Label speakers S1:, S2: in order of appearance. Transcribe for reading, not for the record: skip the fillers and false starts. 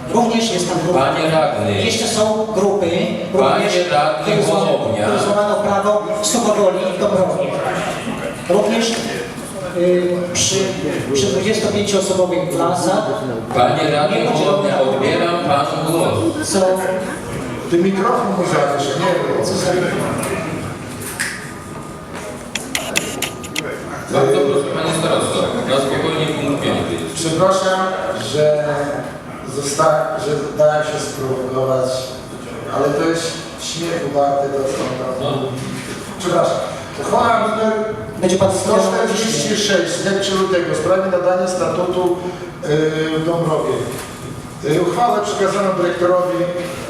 S1: Również jest tam grupa.
S2: Panie radny.
S1: Jeszcze są grupy,
S2: Panie radny, Hołownia.
S1: które złamano prawo w Suchowoli i w Dąbrowie. Również przy 25-osobowych klasach.
S2: Panie radny, Hołownia, odbieram panu głos.
S1: Co?
S3: Ty mikrofon mu zawiesz, nie?
S1: Co za...
S2: Bardzo proszę, panie starosto, na spokojnie punkt 5.
S3: Przepraszam, że dałem się sprowokować, ale to jest śmiechu warte to, co on tam mówi. Przepraszam. Uchwała numer
S1: Będzie pan
S3: 146 z dnia 3 lutego w sprawie nadania statutu w Dąbrowie. Uchwałę przekazano dyrektorowi